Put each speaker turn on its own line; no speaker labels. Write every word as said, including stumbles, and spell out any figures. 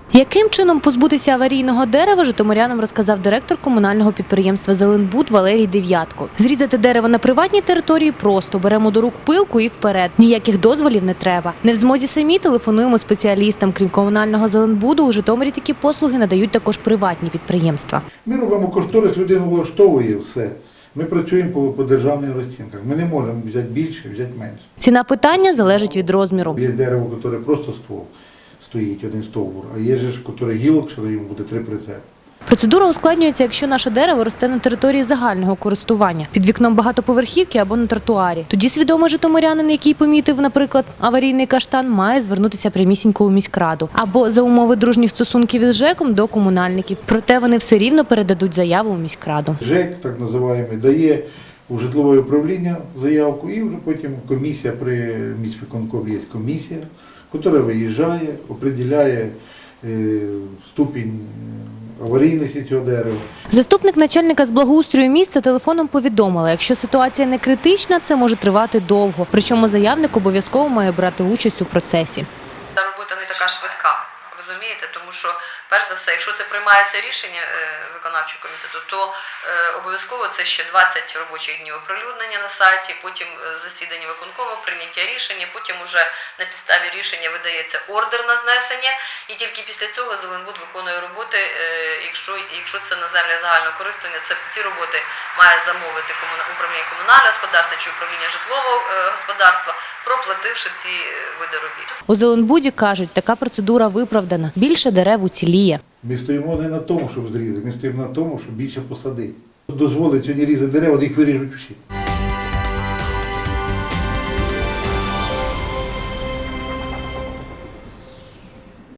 Яким чином позбутися аварійного дерева, житомирянам розказав директор комунального підприємства «Зеленбуд» Валерій Дев'ятко. Зрізати дерево на приватній території просто. Беремо до рук пилку і вперед. Ніяких дозволів не треба. Не в змозі самі, телефонуємо спеціалістам. Крім комунального «Зеленбуду», у Житомирі такі послуги надають також приватні підприємства.
Ми робимо кошторис, людину влаштовує все. Ми працюємо по, по державних розцінках. Ми не можемо взяти більше, взяти менше.
Ціна питання залежить від розміру.
Є дерево, яке просто ствол стоїть, один стовбур, а є ж, яке гілок, що йому буде три прицепи.
Процедура ускладнюється, якщо наше дерево росте на території загального користування, під вікном багатоповерхівки або на тротуарі. Тоді свідомий житомирянин, який помітив, наприклад, аварійний каштан, має звернутися прямісінько у міськраду. Або за умови дружніх стосунків із ЖЕКом до комунальників. Проте вони все рівно передадуть заяву у міськраду.
ЖЕК, так називаємо, дає у житлове управління заявку і вже потім комісія, при міськвиконкомі є комісія, яка виїжджає, определяє е, ступінь аварійності цього дерева.
Заступник начальника з благоустрою міста телефоном повідомила, якщо ситуація не критична, це може тривати довго. Причому заявник обов'язково має брати участь у процесі.
Ця робота не така швидка, розумієте, тому що, перш за все, якщо це приймається рішення виконавчого комітету, то е, обов'язково це ще двадцять робочих днів оприлюднення на сайті, потім засідання виконкому, прийняття рішення, потім уже на підставі рішення видається ордер на знесення, і тільки після цього Зеленбуд виконує роботи, е, якщо, якщо це на землі загального користування, це ці роботи має замовити комуна, управління комунального господарства чи управління житлового е, господарства, проплативши ці види робіт.
У Зеленбуді кажуть, така процедура виправдана. Більше дерев уціліє.
Ми стоїмо не на тому, щоб зрізати, ми стоїмо на тому, щоб більше посадити. Дозволить сьогодні різати дерева, їх виріжуть всі.